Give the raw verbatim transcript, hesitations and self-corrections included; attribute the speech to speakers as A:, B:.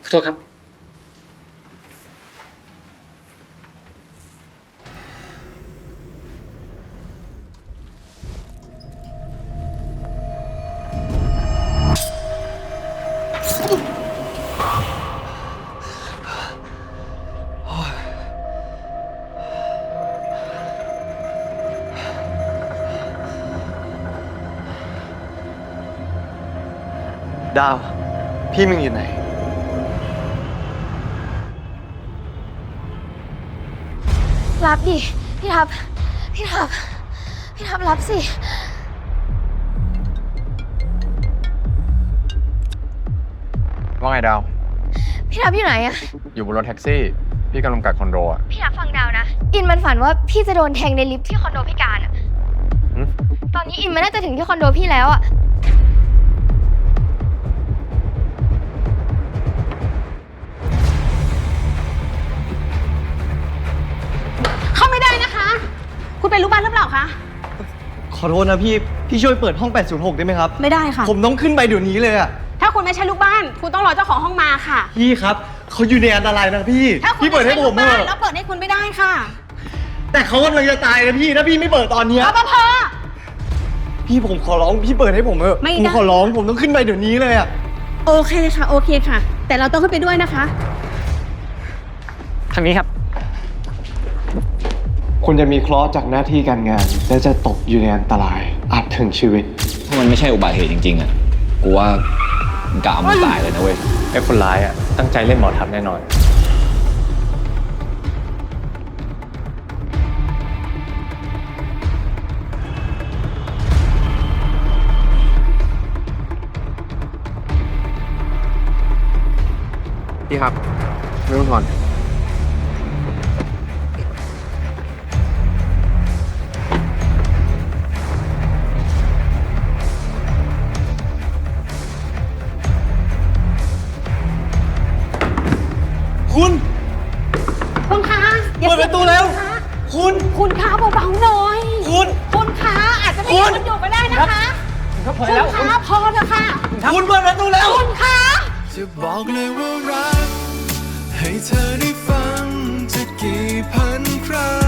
A: ขอโทษครับ
B: ดาว พี่มึงอยู่ไหน
C: รับดิ พี่ทับ พี่ทับ พี่ทับรับสิ
D: ว่าไงดาว
C: พี่ทับอยู่ไหนอะ
D: อยู่บนรถแท็กซี่ พี่กำลังกัดคอนโดอ่ะ
C: พี่ทับฟังดาวนะ อินมันฝันว่าพี่จะโดนแทงในลิฟต์ที่คอนโดพี่การอะ
D: หึ
C: ตอนนี้อินมันน่าจะถึงที่คอนโดพี่แล้วอะ
E: เข้าไม่ได้นะคะ คุณเป็นลูกบ้านหรือเปล่าคะ
B: ขอโทษนะพี่ พี่ช่วยเปิดห้องแปดศูนย์หกได้ไหมครับ
E: ไม่ได้ค่ะ
B: ผมต้องขึ้นไปเดี๋ยวนี้เลยอะ
E: ถ้าคุณไม่ใช่ลูกบ้าน คุณต้องรอเจ้าของห้องมาค่ะ
B: พี่ครับเขาอยู่ในอันตรายนะพี่
E: ถ้าคุณ
B: พี่เปิดให้ผม
E: ไใช่
B: เถ
E: ลูกบ้าน
B: อะ
E: แล้วเปิดให้คุณไม่ได้ค่ะ
B: แต่เขากำลังจะตายนะพี่ ถ้าพี่ไม่เปิดตอนเนี้ย
E: รปภ
B: พี่ผมขอร้องพี่เปิดให้ผมเถอะ
E: ไม่ได้
B: ผมขอร้องผมต้องขึ้นไปเดี๋ยวนี้เลยอะ
E: โอเคค่ะ โอเคค่ะ แต่เราต้องขึ้นไปด้วยนะคะ
A: ทางนี้ครับ
B: คุณจะมีเคราะห์จากหน้าที่การงาน และจะตกอยู่ในอันตราย อาจถึงชีวิต
F: ถ้ามันไม่ใช่อุบัติเหตุจริงๆอ่ะ กูว่ามึงกะเอามันตายเลยนะเว้ย
D: ไอ้คนร้ายอ่ะ ตั้งใจเล่นหมอทับแน่นอน พี่ครับ ไม่ต้องถอน
B: คุณ
E: คุณคะอย่า
B: เปิดประตูแล้ว คุณ
E: คุณคะเบาๆหน่อย
B: คุณ
E: คุณคะอาจจะไม่
B: คุ
E: มี
B: ณ
E: คนอยู่ก็ได้นะคะ
A: ครับพอ
E: คุณ
A: แล้ว
E: คะพอเถอะค่ะ
B: คุณเปิดประตูแล้ว
E: คุณคะ
G: จะบอกเลยว่ารัก ให้เธอได้ฟังจะกี่พันครั้ง